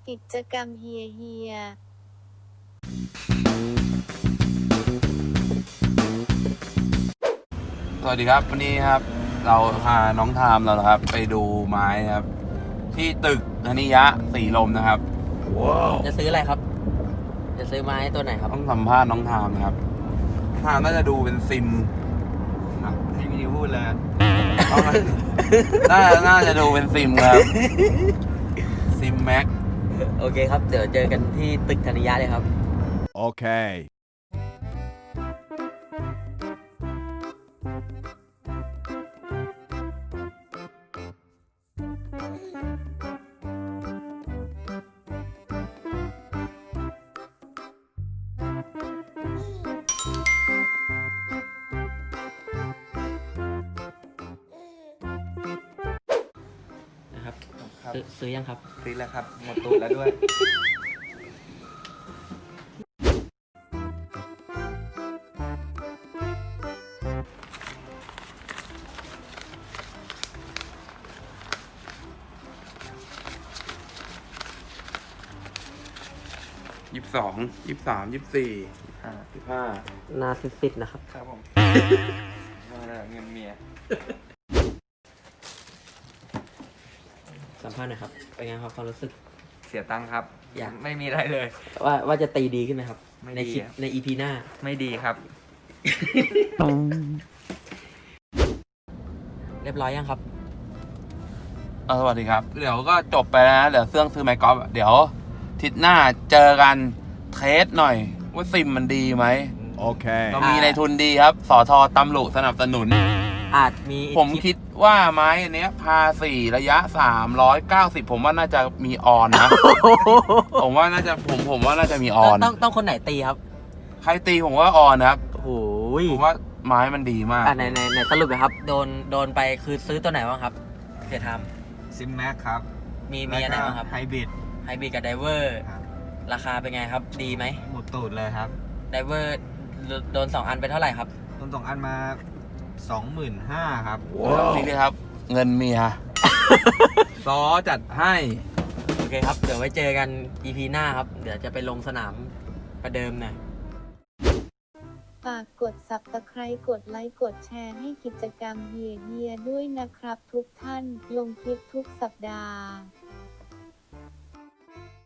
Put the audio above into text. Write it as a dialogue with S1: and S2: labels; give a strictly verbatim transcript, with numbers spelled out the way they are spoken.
S1: กิจกรรมเฮียเฮีย
S2: สวัสดีครับวันนี้ครับเราพาน้องทามเรานะครับไปดูไม้นะครับที่ตึกธนิยะสีลมนะครับว้าว
S3: จะซื้ออะไรครับ จะซื้อไม้ตัวไหนครับ
S2: ต้องสัมภาษณ์น้องทามนะครับทามน่าจะดูเป็นซิมให้วิดีโอพูดเลยน่าน่าจะดูเป็นซิมครับซิมแม็ก
S3: โอเคครับ เดี๋ยวเจอกันที่ตึกธนิยะเลยครับ
S4: Okay.
S3: นะครับ
S2: ครับ
S3: ซื้อซื้อยังครับ
S2: ซื้อแล้วครับหมดตูดแล้วด้วยยี่สิบสองยี่สิบสามยี่สิบสี่ยี่สิบห้า
S3: หนาซิดๆนะครับ
S2: ครับผมมาแล้วเงินเมีย
S3: สัมภาษณ์หน่อยครับ เป็นไงครับความรู้สึก
S5: เสียตังค์ครับ
S3: อยาก
S5: ไม่มีอะไรเลย
S3: ว่าว่าจะตีดีขึ้นไหมครับ
S5: ไม่
S3: ใน
S5: ดี
S3: คลิป
S5: อะ
S3: ในอีพีหน้า
S5: ไม่ดีครับ
S3: เรียบร้อยยังครับ
S2: เออสวัสดีครับ เดี๋ยวก็จบไปแล้วนะเดี๋ยวเสื่องซื้อไมค์กอล์ฟเดี๋ยวทิศหน้าเจอกันเทสหน่อย ว่าซิมมันดีไหม
S4: Okay.
S2: เรามีในทุนดีครับสอทอตำรุสนับสนุน
S3: อาจมี
S2: ผม
S3: ลิป
S2: คิดว่าไม้อันเนี้ยพาสี่ระยะสามร้อยเก้าสิบผมว่าน่าจะมีออนนะ ผมว่าน่าจะผมผมว่าน่าจะมีอ
S3: ต้
S2: อ
S3: อง
S2: น
S3: ต้องต้องคนไหนตีครับ
S2: ใครตีผมว่าออนนะครับ
S3: โอ้โห
S2: ผมว่าไม้มันดีมาก
S3: อ่ะไหนไหนไหนสรุปเลยครับ โดนโดนไปคือซื้อตัวไหนบ้างครับเสียท
S5: ซิมแม็กครับ
S3: ำมีมีอะไรบ้างครับ
S5: ไฮบริด
S3: ไฮบริดกับไดเวอร์
S5: ครับ
S3: ราคาเป็นไงครับ ดีไหม
S5: หมดตูดเลยครับ
S3: ไดเวอร์โดนสองอันไปเท่าไหร่ครับ
S5: ต้นสองอันมาสองหมื่นห้าครับ
S2: นี่เลยครับ เงินเมีย ซอจัดให้
S3: โอเคครับ เดี๋ยวไว้เจอกัน อี พี หน้าครับ เดี๋ยวจะไปลงสนามประเดิมหน่อย
S1: ฝากกด ซับสไครบ์ กดไลค์ กดแชร์ให้กิจกรรมเฮียเฮียด้วยนะครับทุกท่าน ลงคลิปทุกสัปดาห์